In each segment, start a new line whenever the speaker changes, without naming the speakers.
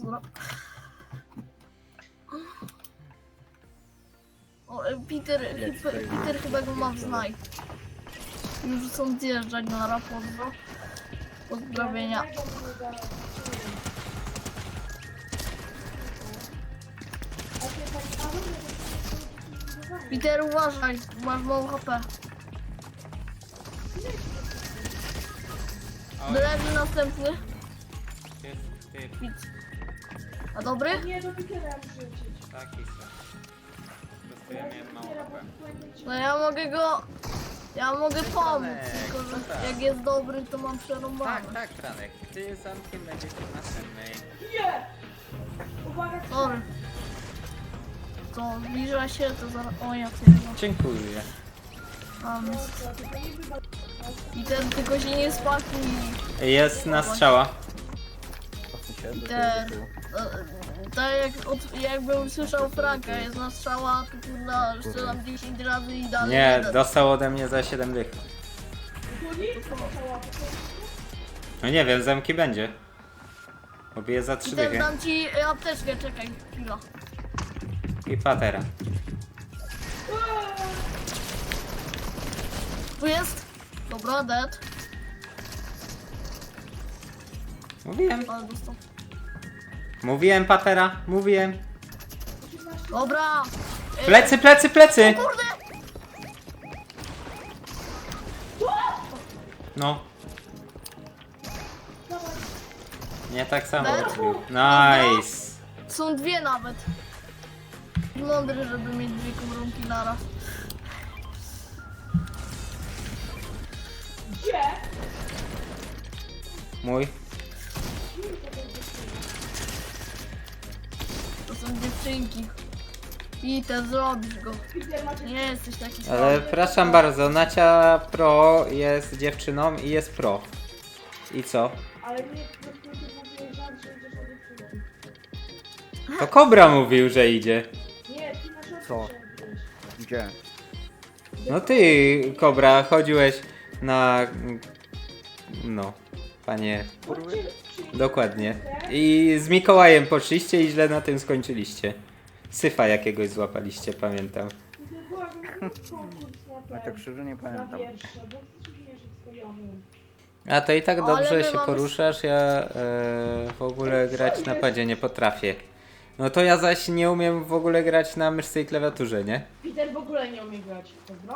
pozdro. O, Peter chyba go ma w znaj. Już są zjeżdżać na rapozdro. Pozdrowienia. Peter, uważaj, masz mało HP. Drewni następny. Widz. A dobry?
Nie, do Petera rzucić.
Taki są. Po prostu ja miałem mało HP.
No ja mogę pomóc, tylko że
tak.
jak jest dobry, to mam przerąbane.
Tak, Franek. Ty zamkiem będziesz w następnej.
Nie! Uwaga,
Sorry. To zbliża się, to zaraz... O, ja sobie
Dziękuję.
mam. I ten tylko się nie spakuj.
Jest na strzała.
Ten... Tak jakbym słyszał Franka, jest na strzała, to kurna, strzelam 10 razy i dalej
Nie,
jeden.
dostał ode mnie za 7 dych. No nie wiem, zamki będzie. Obiję za 3
I ten
dychy.
dam ci apteczkę, czekaj, chwila.
I patera.
Tu jest? Dobra, dead.
Mówiłem.
Ale dostał.
Mówiłem patera. Mówiłem.
Dobra!
Plecy, plecy, plecy!
Kurde!
No. Nie tak samo
Dead?
robił. Nice.
Są dwie nawet. Mądry, żeby mieć dwie komórki naraz.
gdzie?
Mój.
To są dziewczynki. I ten zrobisz go.
Peter, macie...
Nie jesteś taki
Ale
słaby.
przepraszam bardzo, Nacia Pro jest dziewczyną i jest pro. I co?
Ale nie, po prostu ty mówiłeś, że idziesz od dziewczyny.
To Kobra mówił, że idzie.
Nie, ty na środku
Co?
szedłeś.
Gdzie?
No ty, Kobra, chodziłeś na... No, panie...
Chodźcie,
Dokładnie. I z Mikołajem poszliście i źle na tym skończyliście. Syfa jakiegoś złapaliście, pamiętam.
Ja tak szczerze nie pamiętam.
A to i tak
Ale
dobrze
my
się
mamy-
poruszasz, ja w ogóle grać na padzie nie potrafię. No to ja zaś nie umiem w ogóle grać na myszce i klawiaturze, nie?
Peter w ogóle nie umie grać. Dobra.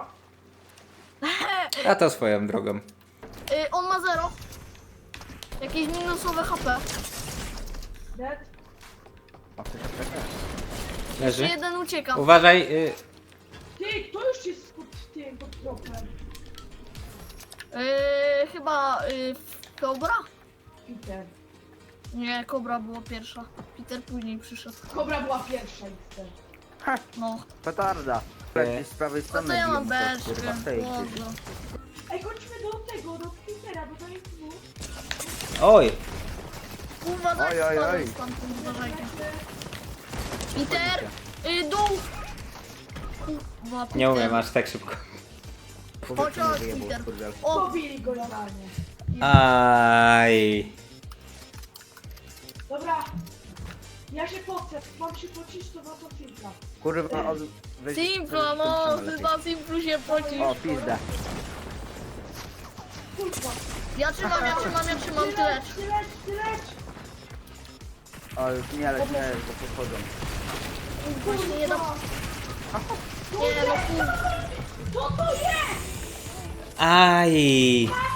A to swoją drogą.
On ma 0. Jakieś minusowe HP.
Dead.
A to się czeka.
Leży?
Jeszcze jeden ucieka.
Uważaj,
Ty, to już jest pod tym, pod tropem.
Chyba Kobra?
Peter.
Nie, Kobra była pierwsza. Peter później przyszedł.
Kobra była pierwsza, Peter.
No.
Petarda. Gdzieś z prawej
No
strony
to ja mam
biją coś,
beczkę.
kurwa, tej gdzieś.
Boże.
Ej, chodźmy do tego, do Petera, bo to jest dwóch.
oj,
Uważaj,
Oj, oj,
spadł
oj.
stamtąd, uważajcie. Peter! Dół! Kurwa, Peter.
nie umiem aż tak szybko.
Powiedz mi,
Chodź,
że jebał,
Peter.
kurwa.
O,
Pobili go normalnie.
Aj.
Dobra. Ja się pocę, mam się pocić, to to filtra.
Kurwa,
Simpla, no, ty na Simplu się pocisz.
O, pizda.
Kurwa.
Ja trzymam, ty lecz.
Ty leć.
O, już nie, ale nie, bo podchodzą.
Właśnie nie da... Nie, no kurwa.
Co to jest?
Aj.